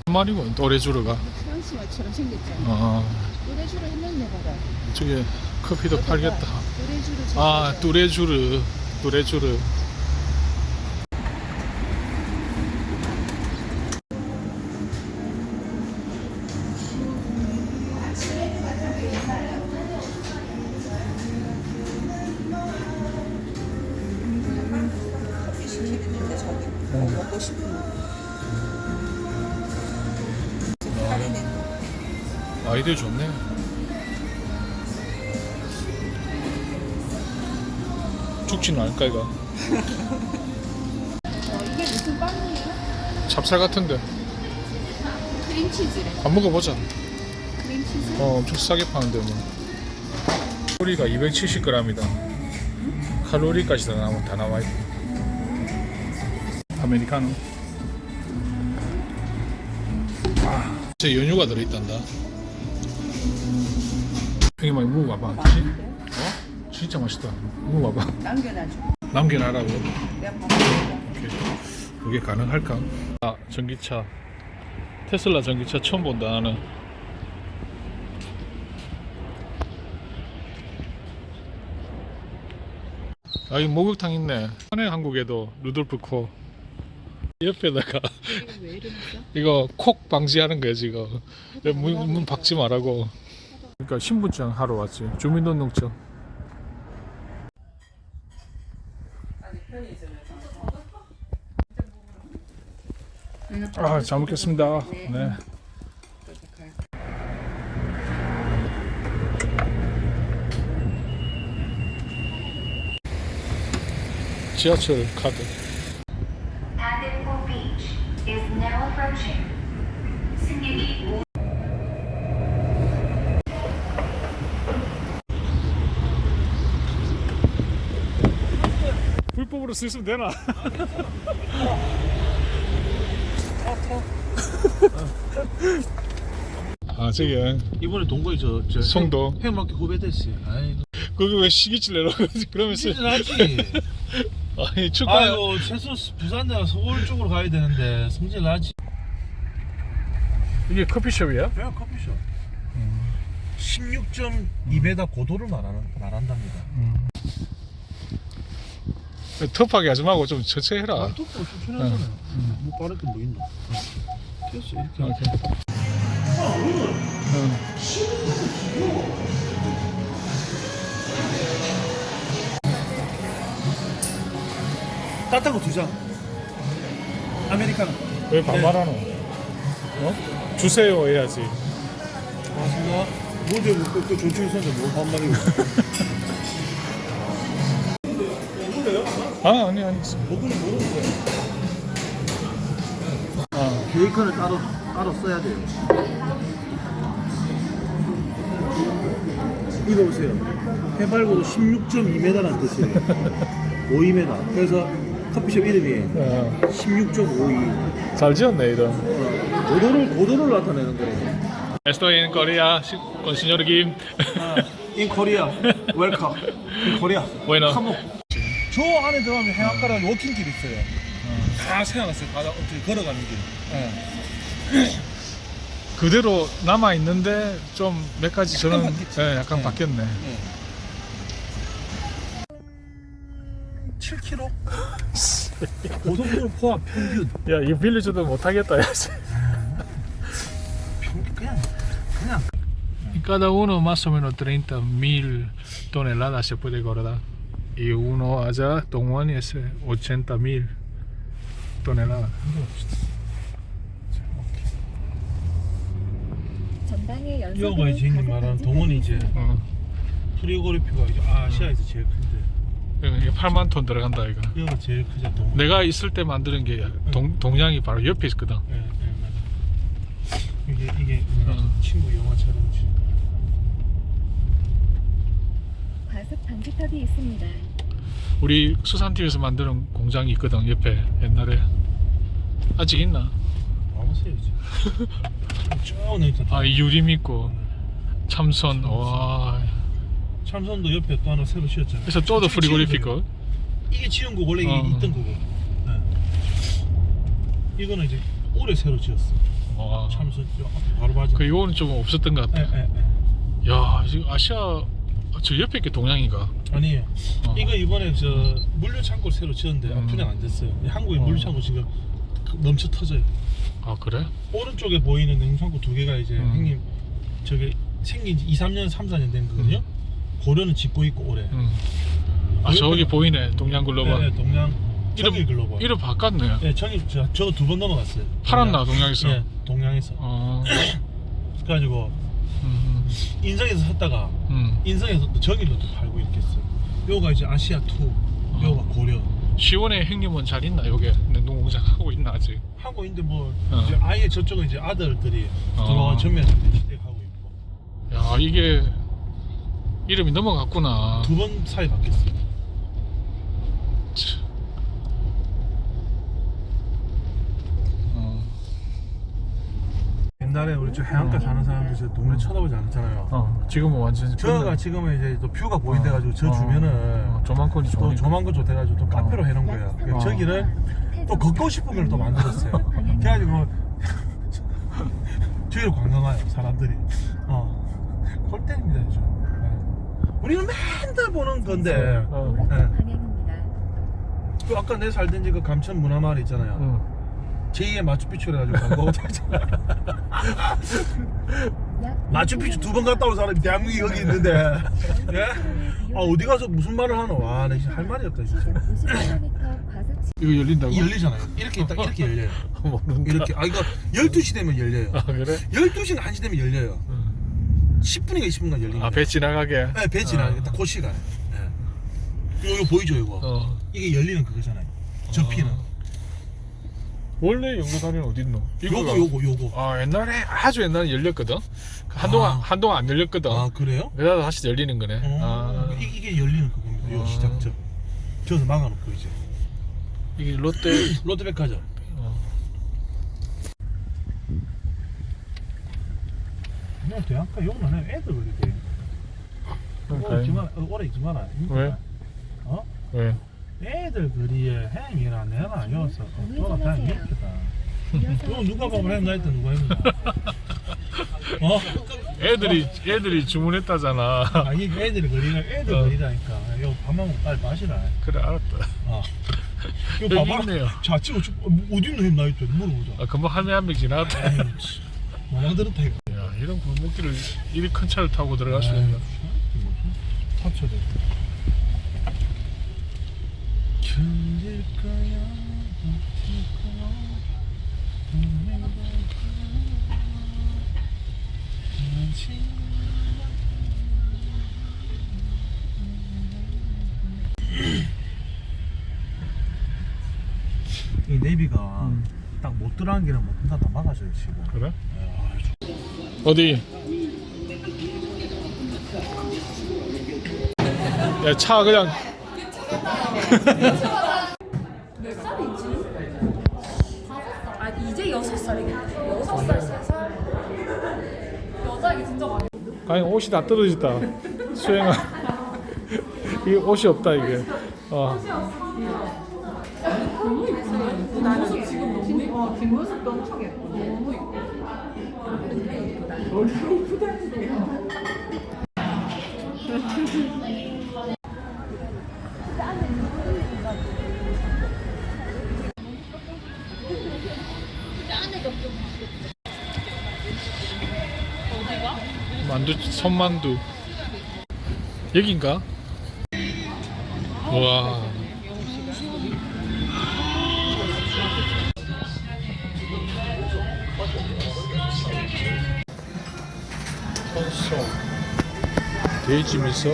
말이고 또레쥬르가. 프랑스 말처럼 생겼잖아. 또레쥬르 했는데 봐라. 저기 커피도 팔겠다. 또레쥬르. 아 뚜레쥬르. 뚜레쥬르. 커피 시키는데 저기 먹고 싶은 할인해. 아이디어 좋네. 죽지는 않을까 이거. 이게 무슨 빵이에요? 찹쌀 같은데. 크림치즈래. 안 먹어보자. 크림치즈? 엄청 싸게 파는데 뭐. 칼로리가 270g이다. 칼로리까지 다 나와 있고. 아메리카노. 제 연유가 들어있단다. 여기 많이 먹어봐봐. 진짜 맛있다. 먹어봐봐. 남겨놔줘. 남겨놔라고. 내가 밥 먹을게. 그게 가능할까? 아 전기차. 테슬라 전기차 처음 본다 나는. 아, 이 목욕탕 있네. 한해 한국에도 루돌프 코 옆에다가 이거 왜 이러니까? 이거 콕 방지하는 거야 지금. 문 박지 말라고. 그러니까 신분증 하러 왔지. 주민등록증. 아, 잘 먹겠습니다. 네. 지하철 카드. Padimpo Beach is now approaching. 승객이 불법으로 쓰시면 되나? 아 저기 이번에 동거에 저 송도. 해맑게 후배됐어요. 아이고. 거기 왜 시기질 내려고 그러면서 승진하지. 아니 축구. 아이고 최소 부산이나 서울 쪽으로 가야 되는데 승진하지. 이게 커피숍이야? 그냥 커피숍. 16.2m 고도를 말한답니다. 터프하게 하지 말고 좀 천천히 해라. 아, 똑바로 추천하잖아요. 뭐 빠를 게뭐 있나? 됐어 이렇게. 오케이. 따뜻한 거 2잔. 아메리카노. 왜 반말하노? 어? 주세요 해야지. 고맙습니다. 뭐지 그 조치 있었는데 뭐 반말이고. 아 아니 먹으면 모르는데. 계획권을 따로 써야 돼요. 이거 보세요. 해발고도 16.2m라는 뜻이에요. 5m. 그래서 커피숍 이름이 16.52. 잘 지었네 이런. 고도를 나타내는 거예요. Estoy en Corea con señor Kim. In Korea, welcome. In Korea. Bueno. 저 안에 들어가면 해안가라는 워킹길 있어요. 다 세워놨어요. 바다 어떻게 걸어가는 길. 그대로 남아 있는데 좀 몇 가지 저는 바뀌었지. 약간 바뀌었네. 7km? 고속도로 포함 평균. 야 이거 빌려줘도 못하겠다. 야. 평균 그냥. Cada uno más o menos 30.000 toneladas se puede guardar. Y uno allá, Dongwon es 80.000 toneladas. 전방에 이거가 지금 말하는 동원이 이제 프리고리피가 이제 아시아에서 제일 큰데. 이게 8만 톤 들어간다 이거. 이거가 제일 크죠 동원. 내가 있을 때 만드는 게 동양이 바로 옆에 있거든. 네, 맞아. 이게 친구 영화처럼 지금. 과속 방지턱이 있습니다. 우리 수산팀에서 만드는 공장이 있거든 옆에 옛날에. 아직 있나? 와보세요 이제. 쭉 내리다. 아 유림 있고 참선. 와. 참선도 옆에 또 하나 새로 지었잖아요. 그래서 또도 프리고리피커. 이게 지은 거 원래 이게 있던 거고. 네. 이거는 이제 올해 새로 지었어. 와. 차면서 바로 맞아. 그 이거는 좀 없었던 것 같아. 야, 지금 아시아 저 옆에 게 동양인가? 아니에요. 이거 이번에 저 물류 창고 새로 지었는데 분양 안 됐어요. 한국의 물류 창고 지금 넘쳐 터져요. 아 그래? 오른쪽에 보이는 냉장고 두 개가 이제 형님 저게 생긴 지 2, 3년, 3, 4년 된 거거든요. 고려는 짓고 있고 올해. 아 저기 보이네 동양 글로벌. 네, 동양 정일 글로벌. 이름 바꿨네. 네, 정일 저거 두 번 넘어갔어요. 팔았나 동양에서? 네, 동양에서. 그래가지고 인성에서 샀다가 인성에서 또 정일로 또 팔고 이렇게 했어요. 요가 이제 아시아 투, 요가 고려. 시원의 형님은 잘 있나 여기 냉동공장 하고 있나 아직? 하고 있는데 뭐 이제 아예 저쪽은 이제 아들들이 들어와 전면 시대하고 있고. 야 이게 이름이 넘어갔구나. 두 번 사이 바뀌었어요. 옛날에 우리 저 해안가 사는 사람들 저 동네 쳐다보지 않잖아요. 지금은 완전 저가 지금은 이제 또 뷰가 보인대가지고 저 주변은 조망권이 또 좋으니까. 조만간 좋대가지고 또 카페로 해놓은 거예요. 그래서 저기를 또 걷고 싶은 걸 또 만들었어요. 그래가지고 저기로 관광 와요 사람들이. 골 때립니다 요즘. 우리는 맨날 보는 건데. 그 아까 내 살던 집 그 감천 문화마을 있잖아요. 제2의 마추픽추를 해가지고 광고하고 다녔잖아요. 마추픽추 두 번 갔다 온 사람이 대한민국에 여기 있는데 예? 아 어디 가서 무슨 말을 하노. 와 나 진짜 할 말이 없다 진짜. 이거 열린다고? 열리잖아요. 이렇게 딱 이렇게 열려요. 모른다. 이렇게 이거 12시 되면 열려요. 아 그래? 12시나 1시 되면 열려요. 10분인가 20분간 열리는 아 배 지나가게? 네, 배 지나가게 딱 그 시간에. 네. 이거 보이죠 이거? 이게 열리는 그거잖아요. 접히는. 원래 연구단위는 어디 있노? 요거. 아 옛날에 아주 옛날에 열렸거든. 한동안 안 열렸거든. 아 그래요? 그러다 다시 열리는 거네. 이게 열리는 그겁니다. 요 시작점. 저기서 막아놓고 이제. 이게 롯데백화점. 그냥 대학가 욕만 해. 애들 그리 돼. 오래 있지 마라. 왜? 왜? 애들 그리에 행이나 내나 여기서 돌아다니면 미치겠다. 이거 누가 밥을 했나 했다 누가 했나. 애들이 주문했다잖아. 이게 애들이 그리가 애들 그리다니까. 이거 밥만 먹고 빨리 마시라. 그래 알았다. 이거 여기 봐봐. 있네요. 자 찍어 어디 있노 했나 했더니 물어보자. 금방 할매 한 명 지나갔다. 마냥 들었다 이거. 야 이런 골목길을 이리 큰 차를 타고 들어갈 수 있나? 타쳐도. 견딜 거야. 이 내비가 딱 못 들어간 길은 못 든다 다 막아줘요 지금. 그래? 어디? 야 차 그냥 몇 살이지? 5살. 아 이제 6살이겠네. 6살, 3살. 여자애기 진짜 많이. 아니 옷이 다 떨어졌다. 수영아 이 옷이 없다 이게. 나는 지금 너무 예뻐. 뒷모습도 엄청 예뻐. 너무 예뻐. 만두 손만두 여긴가? 와. 콘소 돼지 미소.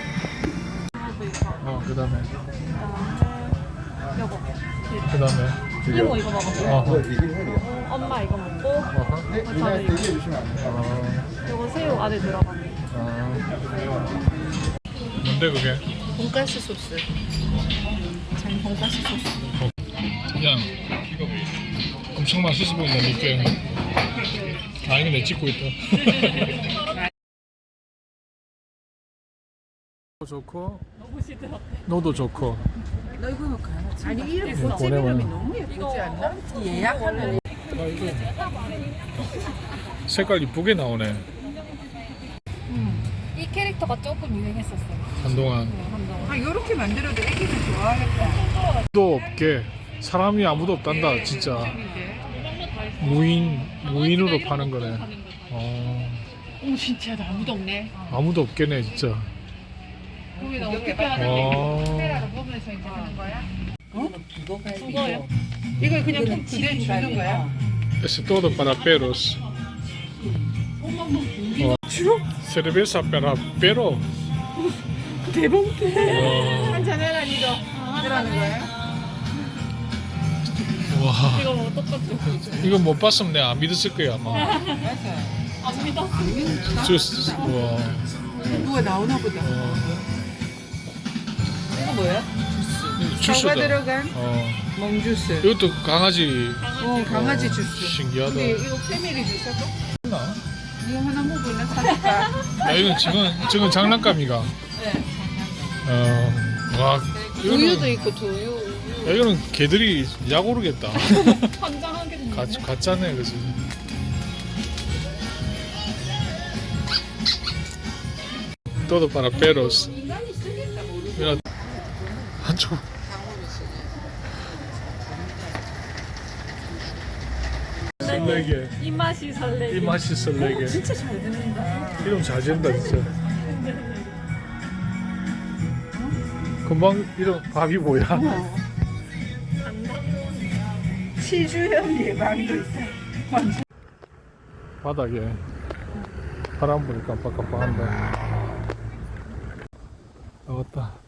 그다음에 여보 그다음에 이모 이거 먹었어. 엄마 이거 먹고 저는 이거. 이거 새우 안에 들어가. 뭔데 그게? 돈가스 소스. 전 돈가스 소스. 그냥 엄청 맛있어 보인다 니께. 아 이거 내 찍고 있다. 좋고 너도 좋고. 너 이거 가야지. 아니 이름 보내면 너무 예쁘지 않나? 예약하면 아이고. 색깔 이쁘게 나오네. 이 캐릭터가 조금 유행했었어. 한동안. 아, 요렇게 만들어도 애기들 좋아하겠다. 아무도 없게 사람이 아무도 없단다 진짜. 무인으로 파는 거네. 오, 진짜 아무도 없네. 아무도 없겠네 진짜. 거기다 어떻게 하는 카메라로 보면서 이제 하는 거야? 그거요? 이걸 그냥 꼭 그대로 주는 거야? Es todo para perros. Cerveza para perro. 한잔해라, 니도. 그러는 거야? 와, 이거 뭐 똑같죠? 이거 못 봤으면 내가 안 믿었을 거야 아마. 안 믿어. 주스. 와. 누가 나오나 보다. 이거 뭐야? 주스다. 사과 들어간 멍주스. 이것도 강아지. 강아지 주스. 신기하다. 근데 이거 패밀리 주스고? 나? 이거 하나 먹으면 사줄까? 야, 이건 지금 장난감이가. 네. 와, 우유도 이거는, 있고 두유. 야, 이거는 개들이 약 오르겠다. 환장하게 생겼네. 가짜네, 그지? Todo para perros. Mira, 한쪽. 설레게. 이 맛이 설레게. 이 맛이 설레게. 진짜 잘 듣는다. 이름 잘 지은다 진짜. 금방 이름 밥이 뭐야? 치주염 예방도 있어. 바닥에 바람 불이 깜빡깜빡한다. 아, 왔다.